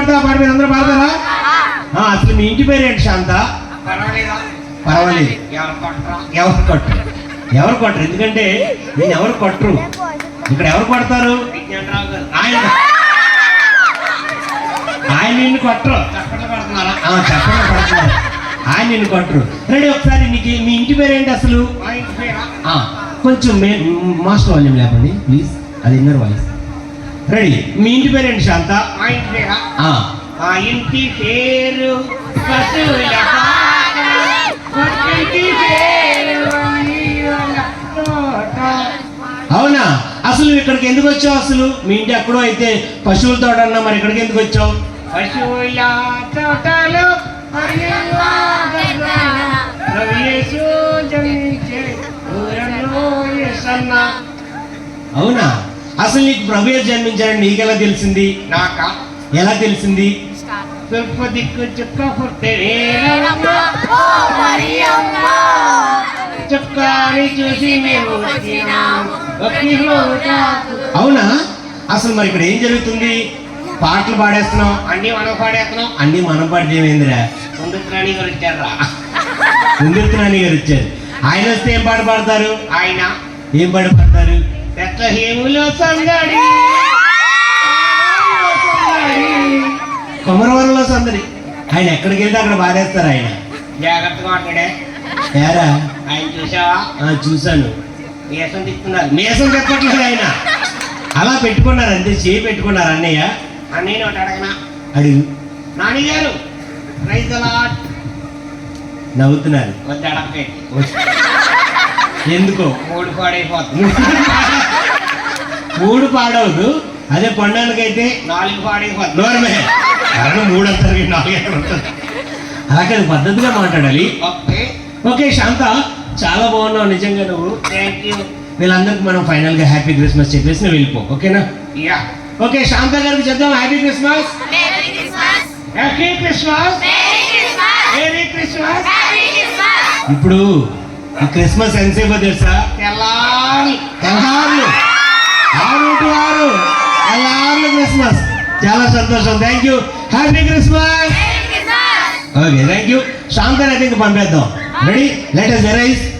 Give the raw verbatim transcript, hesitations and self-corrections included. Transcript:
పాడతావా పాట మీద అందరూ పాడతారా? అసలు మీ ఇంటి పేరు ఏంటి శాంత? పర్వాలేదు. ఎవరు కొట్టరు ఎవరు కొట్టరు ఎందుకంటే నేను ఎవరు కొట్టరు. ఇక్కడ ఎవరు కొడతారు? ఆయన ఆయన నిన్ను కొట్టరు. చెప్పండి పడుతున్నారా? చెప్పండి పడుతున్నారు. ఆయన నిన్ను కొట్టరు. రెడీ ఒకసారి నీకు మీ ఇంటి పేరు ఏంటి అసలు? కొంచెం మే మాస్టర్ వాల్యూమ్ లేపండి ప్లీజ్, అది ఇన్నర్ వాయిస్. రెడీ. మీ ఇంటి పేరు ఏంటి శాంత? ఆ ఇంటి పేరు అవునా? అసలు నువ్వు ఇక్కడికి ఎందుకు వచ్చావు? అసలు మీ ఇంటి ఎక్కడో అయితే పశువుల తోట అన్నా, మరి ఇక్కడికి ఎందుకు వచ్చావు? పశువుల తోటలో అవునా? అసలు నీకు ప్రభు జన్మించాడని నీకెలా తెలిసింది? నాక ఎలా తెలిసింది? తూర్పు దిక్కు చుక్క చుక్కాని చూసి అవునా? అసలు మరి ఇక్కడ ఏం జరుగుతుంది? పాటలు పాడేస్తున్నాం, అన్ని మనం పాడేస్తున్నాం. అన్ని మనం పాడితే ఏమైందిరా? ముందుత్రాణి గారు వచ్చారా? ముందుత్రాణి గారు వచ్చారు. ఆయన వస్తే ఏం పాట పాడతారు? ఆయన ఏం పాట పాడతారు? హేములో సందడి, కొమరవరంలో సందడి. ఆయన ఎక్కడికి వెళ్తే అక్కడ పాడేస్తారు. ఆయన జాగ్రత్తగా మాట్లాడే. ఏరా ఆయన చూసావా? చూశాను. మేసం తిప్పుతున్నారు. మేసం చెప్పట్లేదు ఆయన, అలా పెట్టుకున్నారు అంతే, చేయి పెట్టుకున్నారు. అన్నయ్య అన్నయ్య ఒకటి అడగనా? అడుగు. నాని గారు ప్రైజ్ అలాట్. నవ్వుతున్నారు. వద్ద అడగండి. ఎందుకో? మూడు పాడైపోతుంది. మూడు పాడవద్దు, అదే పండానికైతే నాలుగు పాడైపోతుంది. నోరమే కారణం మూడు అంటారు, నాలుగు అంటారు. అలాగే పద్ధతిగా మాట్లాడాలి. ఓకే ఓకే శాంత, చాలా బాగున్నావు నిజంగా నువ్వు. Thank you. వీళ్ళందరికి మనం ఫైనల్ గా హ్యాపీ క్రిస్మస్ చెప్పేసి నువ్వు వెళ్ళిపో. ఓకేనా? యా. ఓకే శాంత గారికి చెప్దాం happy Christmas. Happy Christmas. Merry Christmas. ఇప్పుడు ఈ క్రిస్మస్ ఎంతసేపో తెలుసా? తెల్లారి తెల్లార్లు ఆరు టు ఆరు తెల్లార్లు క్రిస్మస్. చాలా సంతోషం. Thank you. Happy Christmas. Okay thank you. శాంతని అయితే ఇంక పంపేద్దాం. రెడీ? Let us arise.